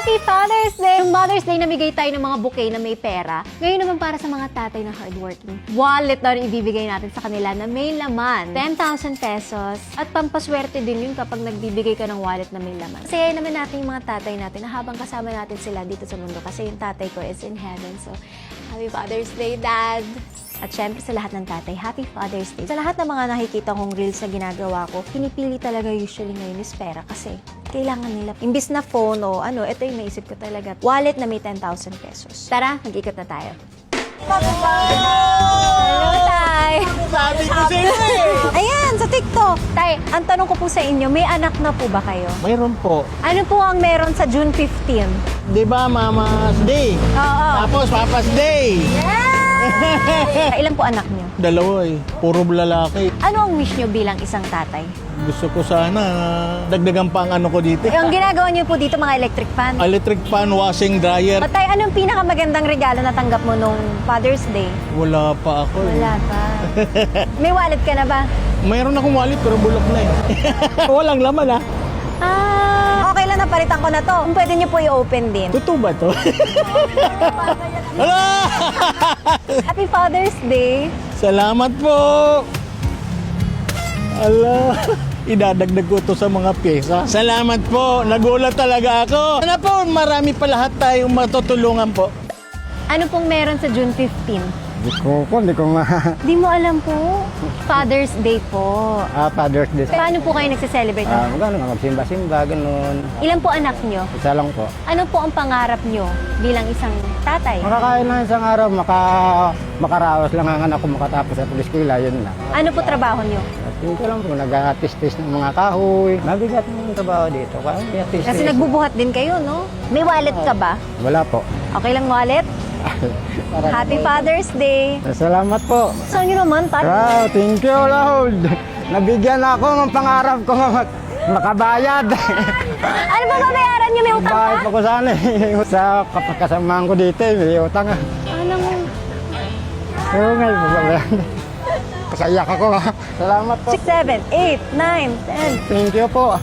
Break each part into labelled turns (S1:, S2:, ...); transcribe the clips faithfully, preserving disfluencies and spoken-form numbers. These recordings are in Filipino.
S1: Happy Father's Day! Yung Mother's Day, namigay tayo ng mga bouquet na may pera. Ngayon naman para sa mga tatay na hardworking. Wallet na rin ibibigay natin sa kanila na may laman. ten thousand pesos. At pampaswerte din yun kapag nagbibigay ka ng wallet na may laman. Kasi naman natin yung mga tatay natin na habang kasama natin sila dito sa mundo. Kasi yung tatay ko is in heaven. So, Happy Father's Day, Dad! At syempre sa lahat ng tatay, Happy Father's Day. Sa lahat ng mga nakikita kong reels na ginagawa ko, pinipili talaga usually ngayon is pera kasi kailangan nila. Imbis na phone o ano, ito yung naisip ko talaga. Wallet na may ten thousand pesos. Tara, mag-ikot na tayo. Hello, Tay!
S2: Sabi ko sa inyo eh!
S1: Ayan, sa TikTok. Tay, ang tanong ko po sa inyo, may anak na po ba kayo?
S2: Mayroon po.
S1: Ano po ang meron sa June fifteenth?
S2: Di ba, Mama's Day?
S1: Oo.
S2: Tapos, Papa's Day!
S1: Ilan po anak niyo?
S2: Dalawa eh. Puro lalaki.
S1: Ano ang wish niyo bilang isang tatay?
S2: Gusto ko sana dagdagan pa ang ano ko dito.
S1: Yung ginagawa niyo po dito mga electric fan?
S2: Electric fan, washing dryer.
S1: Tay, anong pinakamagandang regalo na tanggap mo nung Father's Day?
S2: Wala pa ako eh.
S1: Wala pa. May wallet ka na ba?
S2: Mayroon akong wallet pero bulok na eh. Walang laman ah.
S1: Ah, okay lang, napalitan ko na to. Kung pwede niyo po i-open din.
S2: Totoo ba to? Hala!
S1: Happy Father's Day!
S2: Salamat po! Ala, idadagdag ko to sa mga pyesa. Salamat po, nagulat talaga ako. Sana po, marami pa lahat tayong matutulungan po.
S1: Ano pong meron sa June fifteenth?
S3: Di ko po, di ko ma...
S1: Di mo alam po. Father's Day po.
S3: Ah, Father's Day.
S1: Paano po kayo nagse-celebrate?
S3: Ah, gano'n nga, magsimba-simba, gano'n.
S1: Ilan po anak nyo?
S3: Isa lang po.
S1: Ano po ang pangarap nyo bilang isang tatay?
S3: Makakain lang isang araw, maka, makaraos lang ang anak ko makatapos sa eskwela, yun lang.
S1: Ano po trabaho nyo?
S3: At yun ko lang po, nag-atis-tis ng mga kahoy. Mabigat ng trabaho dito. Kaya, atis-tis.
S1: Kasi nagbubuhat din kayo, no? May wallet ka ba?
S3: Wala po.
S1: Okay lang wallet? Happy Father's Day!
S3: Salamat po.
S1: Saan nyo naman, Pat?
S3: Wow, thank you, Lord. Nabigyan ako ng pangarap ko mak makabayad.
S1: Ano ba babayaran nyo? May utang
S3: Bakit
S1: ka?
S3: pa ko sana eh. Sa kapagkasamaan ko dito, eh, may utang ah.
S1: Ano mo?
S3: Oo nga, babayaran. Kasayak ako. Salamat po.
S1: six, seven, eight, nine, ten.
S3: Thank you po.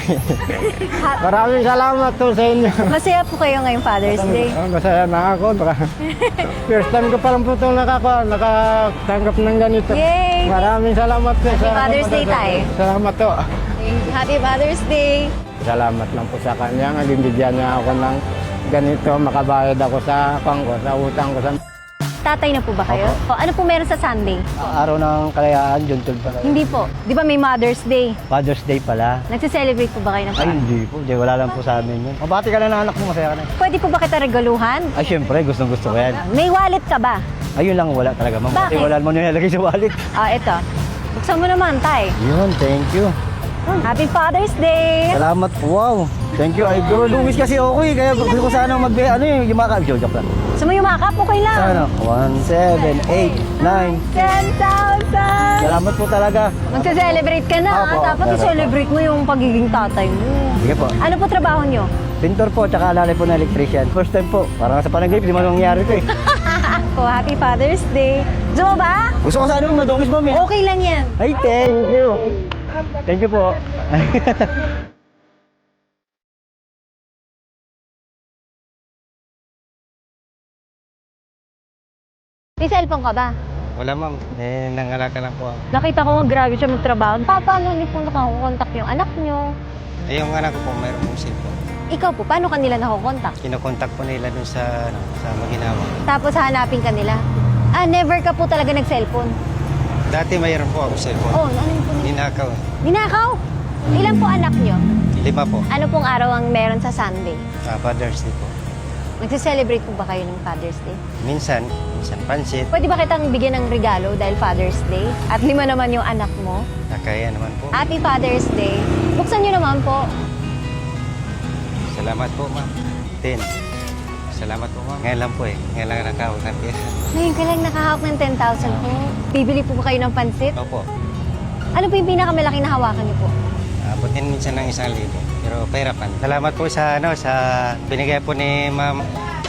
S1: Ha-
S3: Maraming salamat po sa inyo.
S1: Masaya po kayo ngayong Father's Day.
S3: Ah, masaya na ako. Baka- First time ko palang po itong nakaka, nakatanggap ng ganito.
S1: Yay!
S3: Maraming salamat po.
S1: Happy
S3: sa
S1: Father's Day, Tay.
S3: Salamat po.
S1: Happy Father's Day!
S3: Salamat lang po sa kanya. Nabibigyan niya ako ng ganito. Makabayad ako sa pangko, sa utang ko sa
S1: Tatay na po ba kayo? O, ano po meron sa Sunday?
S3: araw ng kalayaan, June twelve pala.
S1: Hindi po. Di ba may Mother's Day?
S3: Father's Day pala.
S1: Nagse-celebrate po ba kayo ng
S3: Ay, hindi po. Di, wala lang po sa amin yun. Mabati ka na ng anak mo, masaya ka na.
S1: Pwede po ba kita regaluhan?
S3: Ay, syempre, gustong gusto ko yan.
S1: May wallet ka ba?
S3: Ayun lang, wala talaga. Ma'am,
S1: Bakit?
S3: wala mo nyo nilagay sa wallet.
S1: Ah, ito. Buksan mo naman, Tay.
S3: Yun, thank you.
S1: Happy Father's Day!
S3: Salamat po, wow. Thank you, idol. Lumis kasi ako eh, kaya gusto ko sana mag ano yung yumakap. Joke lang.
S1: Gusto mo yumakap? Okay lang.
S3: Ano? one, seven, eight, nine.
S1: ten thousand!
S3: Salamat po talaga.
S1: Magse-celebrate ka na,
S3: Opo,
S1: ah. Dapat
S3: meron
S1: i-celebrate mo yung pagiging tatay mo.
S3: Sige po.
S1: Ano po trabaho nyo?
S3: Pintor po, tsaka alalay po na electrician. First time po. Parang sa panaginip, di man nangyari ko eh.
S1: Po, Happy Father's Day. Gusto mo ba?
S3: Gusto ko sana yung madumis mo, eh.
S1: Okay lang yan.
S3: Ay, thank you. Thank you po.
S1: May cellphone ka ba?
S3: Wala ma'am, eh, nangalaka lang po ako.
S1: Nakita ko nga grabe siya magtrabaho. Pa, paano niyo po nakakontak yung anak niyo?
S3: Eh, yung anak ko po, mayroon pong cellphone.
S1: Ikaw po, paano kanila nakakontak?
S3: Kinokontak po nila dun sa, ano, sa maginawa.
S1: Tapos hanapin ka nila? Ah, never ka po talaga nag-cellphone?
S3: Dati mayroon po ako cellphone.
S1: Oh, ano yun po?
S3: Ninakaw.
S1: Ninakaw? Ilan po anak niyo?
S3: Lima po.
S1: Ano pong araw ang meron sa Sunday?
S3: Uh, Father's Day po.
S1: Nagse-celebrate po ba kayo ng Father's Day?
S3: Minsan, minsan pansit.
S1: Pwede ba kitang bigyan ng regalo dahil Father's Day? At lima naman yung anak mo.
S3: Nakaya naman po.
S1: Happy Father's Day. Buksan niyo naman po.
S3: Salamat po, ma'am. Ten. Salamat po, ma'am. Ngayon lang po eh. Ngayon lang nakahawak ng pera.
S1: Ngayon ka lang nakahawak ng ten thousand po. Bibili po ba kayo ng pansit?
S3: Opo.
S1: Ano po yung pinakamalaki na hawakan niyo po?
S3: Abutin minsan ng isang libo. Pero pera pa. Salamat po sa ano sa binigay po ni ma'am.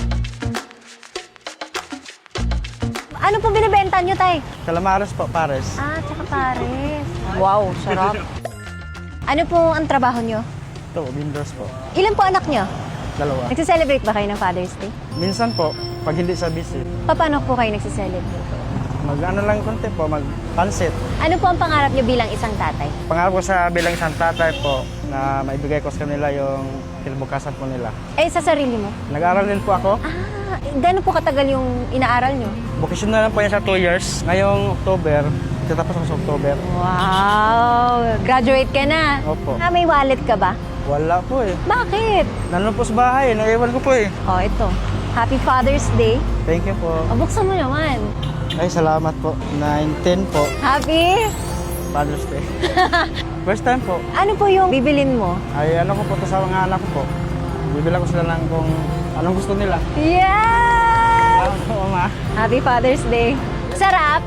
S1: Ano po binibenta niyo, Tay?
S3: Calamares po, pares.
S1: Ah, tsaka pares. Wow, sarap. Ano po ang trabaho niyo?
S3: Ito, windows po.
S1: Ilan po anak niyo?
S4: Dalawa.
S1: Nagsiselebrate ba kayo ng Father's Day?
S4: Minsan po, pag hindi sa busy,
S1: Paano po kayo nagsiselebrate?
S4: mag-ano lang konti po, mag-pansit.
S1: Ano po ang pangarap niyo bilang isang tatay?
S4: Pangarap ko sa bilang isang tatay po na maibigay ko sa kanila yung kinabukasan po nila.
S1: Eh, sa sarili mo?
S4: Nag-aaral din po ako.
S1: Ah, gano'n po katagal yung inaaral niyo?
S4: Vocational lang po yan sa two years. Ngayong October, tatapos ako sa October.
S1: Wow! Graduate ka na?
S4: Opo.
S1: Ah, may wallet ka ba?
S4: Wala po eh.
S1: Bakit?
S4: Nandun po sa bahay, naiwan ko po eh.
S1: Oh, ito. Happy Father's Day.
S4: Thank you po.
S1: O, buksan mo naman.
S4: Ay, salamat po. nine ten po,
S1: Happy?
S4: Father's Day. First time po.
S1: Ano po yung bibilin mo?
S4: Ay, ano ko po to sa mga anak ko po. Bibilang ko sila ng kung anong gusto nila.
S1: Yeah!
S4: Oo, ma.
S1: Happy Father's Day. Sarap?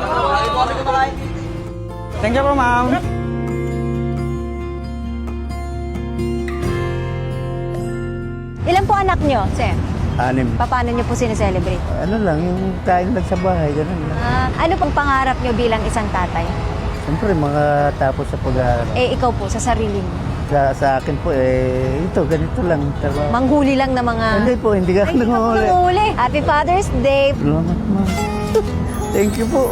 S4: Thank you po, ma'am.
S1: Ilan po anak nyo, Sir?
S2: Anim.
S1: Paano nyo po sineselebrate?
S2: Ano lang, yung kain lang sa bahay, ganun lang.
S1: Ah, ano pong pangarap nyo bilang isang tatay?
S2: Siyempre, makatapos sa pag-aaral.
S1: Eh, ikaw po, sa sarili mo.
S2: Sa, sa akin po, eh, ito, ganito lang. Trabaho.
S1: Manghuli lang na mga...
S2: Hindi po, hindi ka
S1: Ay, hindi ka po
S2: nanguhuli.
S1: nanguhuli. Happy Father's Day.
S2: Salamat, ma'am. Thank you po.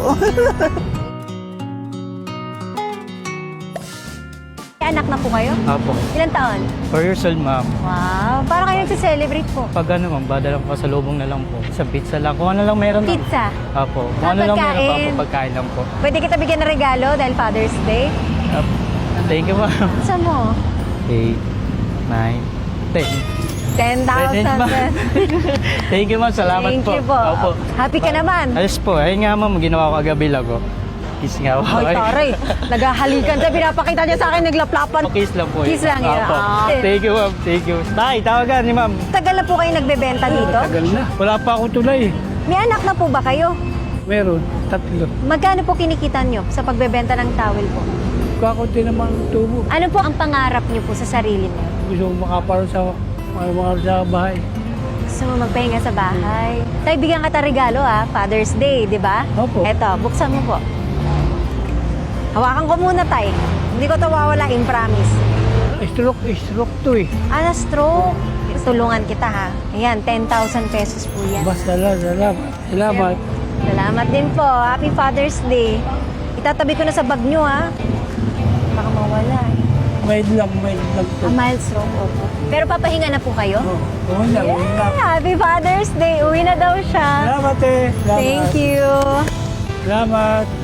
S1: Anak na po kayo?
S5: Apo.
S1: Ilan taon?
S5: four years old, ma'am.
S1: Wow, parang kayo nagse-celebrate po.
S5: Pag ano, ma'am, badala ko sa lubong na lang po. Sa pizza lang. Kung ano lang meron. ma'am.
S1: Pizza.
S5: Apo. Kung
S1: Ah,
S5: ano lang meron pa
S1: pagkain.
S5: po, pagkain lang po.
S1: Pwede kita bigyan ng regalo dahil Father's Day.
S5: Apo. Thank you, ma'am.
S1: Saan mo?
S5: eight, nine, ten.
S1: ten thousand.
S5: Ten, ma'am. Thank you, ma'am. Salamat
S1: Thank
S5: po.
S1: you po.
S5: Opo.
S1: Happy ka naman.
S5: Ayos po. Ayun nga, ma'am. Ginawa ko agabi lang ko. Kiss nga po.
S1: Ay, taray. Naghahalikan siya. Pinapakita niya sa akin, naglaplapan.
S5: Kiss lang po.
S1: Kiss lang yun.
S5: Opo.
S1: Ah.
S5: Thank you, ma'am. Thank you. Tay, tawagan ni ma'am.
S1: Tagal na po kayo nagbebenta dito?
S5: Tagal na. Wala pa ako tulay.
S1: May anak na po ba kayo?
S5: Meron. Tatlo.
S1: Magkano po kinikita nyo sa pagbebenta ng towel po?
S5: Kakunti naman ang tubo.
S1: Ano po ang pangarap nyo po sa sarili mo?
S5: Gusto ko makaparo sa mga sa bahay.
S1: Gusto mo magpahinga sa bahay? Tay, bigyan ka ta regalo ah. Father's Day, di ba?
S5: Opo.
S1: Eto, buksan mo po. Hawakan ko muna, Tay. Hindi ko ito wawalain, promise.
S5: Stroke, stroke to eh.
S1: Ah, na-stroke. Tulungan kita ha. Ayan, ten thousand pesos po yan.
S5: Basta lang, salamat. Salamat.
S1: Salamat din po. Happy Father's Day. Itatabi ko na sa bag nyo ha. Baka mawala eh.
S5: May lang, may lang to.
S1: Ah, mild stroke, opo. Pero papahinga na po kayo?
S5: Oo na, oo na.
S1: Yeah, Happy Father's Day. Uwi na daw siya.
S5: Salamat eh. Salamat.
S1: Thank you.
S5: Salamat.